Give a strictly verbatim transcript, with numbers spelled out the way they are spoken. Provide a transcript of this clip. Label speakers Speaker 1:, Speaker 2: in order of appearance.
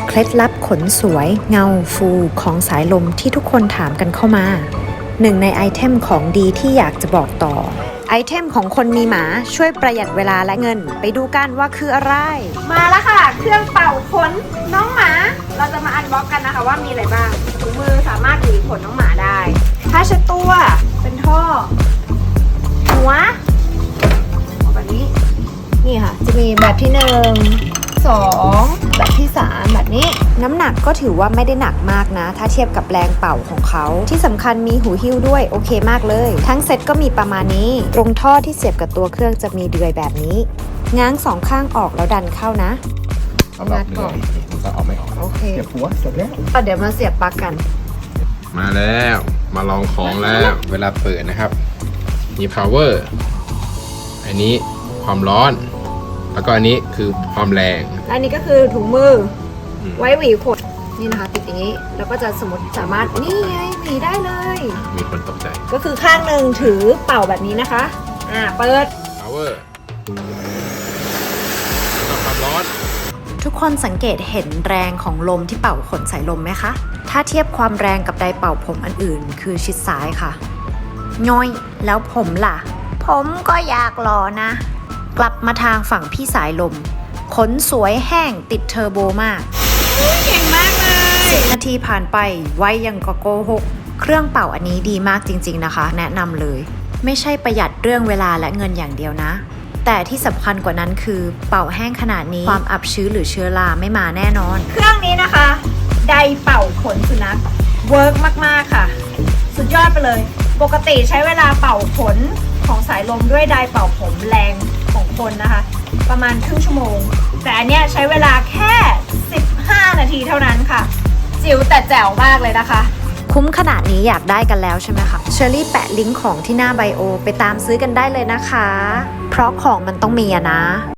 Speaker 1: เคล็ดลับขนสวยเงาฟูของสายลมที่ทุกคนถามกันเข้ามาหนึ่งในไอเทมของดีที่อยากจะบอกต่อไอเทมของคนมีหมาช่วยประหยัดเวลาและเงินไปดูกันว่าคืออะไรมาแล้วค่ะเครื่องเป่าขนน้องหมาเราจะมาอันบ็อกกันนะคะว่ามีอะไรบ้างถุงมือสามารถหวีขนน้องหมาได้ผ้าเช็ดตัวเป็นท่อหัวแบบนี้นี่ค่ะจะมีแบบที่หนึ่งสองแบบที่สามแบบนี้น้ำหนักก็ถือว่าไม่ได้หนักมากนะถ้าเทียบกับแรงเป่าของเขาที่สำคัญมีหูหิ้วด้วยโอเคมากเลยทั้งเซ็ตก็มีประมาณนี้ตรงท่อที่เสียบกับตัวเครื่องจะมีเดือยแบบนี้ง้างสองข้างออกแล้วดันเข้านะ
Speaker 2: เอาแบบนี้มันก็เอาไม่ออก
Speaker 1: โอเค
Speaker 2: เสียบหัวจบแล้ว
Speaker 1: เดี๋ยวมาเสียบปลั๊กกัน
Speaker 3: มาแล้วมาลองของแล้วเวลาเปิดนะครับมี power อันนี้ความร้อนแล้วก็อันนี้คือความแรง
Speaker 1: และอันนี้ก็คือถุงมือไว้หวีขนนี่นะคะติดอย่างนี้แล้วก็จะสมมติสามารถนี่ไงหวีได้เลย
Speaker 3: มีคนตกใจ
Speaker 1: ก็คือข้างหนึ่งถือเป่าแบบนี้นะคะอ่าเปิด
Speaker 3: power แล้วก็ความร้อน
Speaker 1: ทุกคนสังเกตเห็นแรงของลมที่เป่าขนสายลมไหมคะถ้าเทียบความแรงกับไดร์เป่าผมอันอื่นคือชิดซ้ายค่ะย้อยแล้วผมล่ะผมก็อยากรอนะกลับมาทางฝั่งพี่สายลมขนสวยแห้งติดเทอร์โบมากเก่งมากเลยสิบนาทีผ่านไปไวยังกะโกหกเครื่องเป่าอันนี้ดีมากจริงๆนะคะแนะนำเลยไม่ใช่ประหยัดเรื่องเวลาและเงินอย่างเดียวนะแต่ที่สำคัญกว่านั้นคือเป่าแห้งขนาดนี้ความอับชื้นหรือเชื้อราไม่มาแน่นอนเครื่องนี้นะคะไดร์เป่าขนสุนัขเวิร์กมากๆค่ะสุดยอดไปเลยปกติใช้เวลาเป่าขนของสายลมด้วยไดร์เป่าผมแรงของคนนะคะประมาณครึ่งชั่วโมงแต่อันเนี้ยใช้เวลาแค่สิบห้านาทีเท่านั้นค่ะจิ๋วแต่แจ๋วมากเลยนะคะคุ้มขนาดนี้อยากได้กันแล้วใช่ไหมคะเชอรี่แปะลิงก์ของที่หน้าไบโอไปตามซื้อกันได้เลยนะคะเพราะของมันต้องมีอะนะ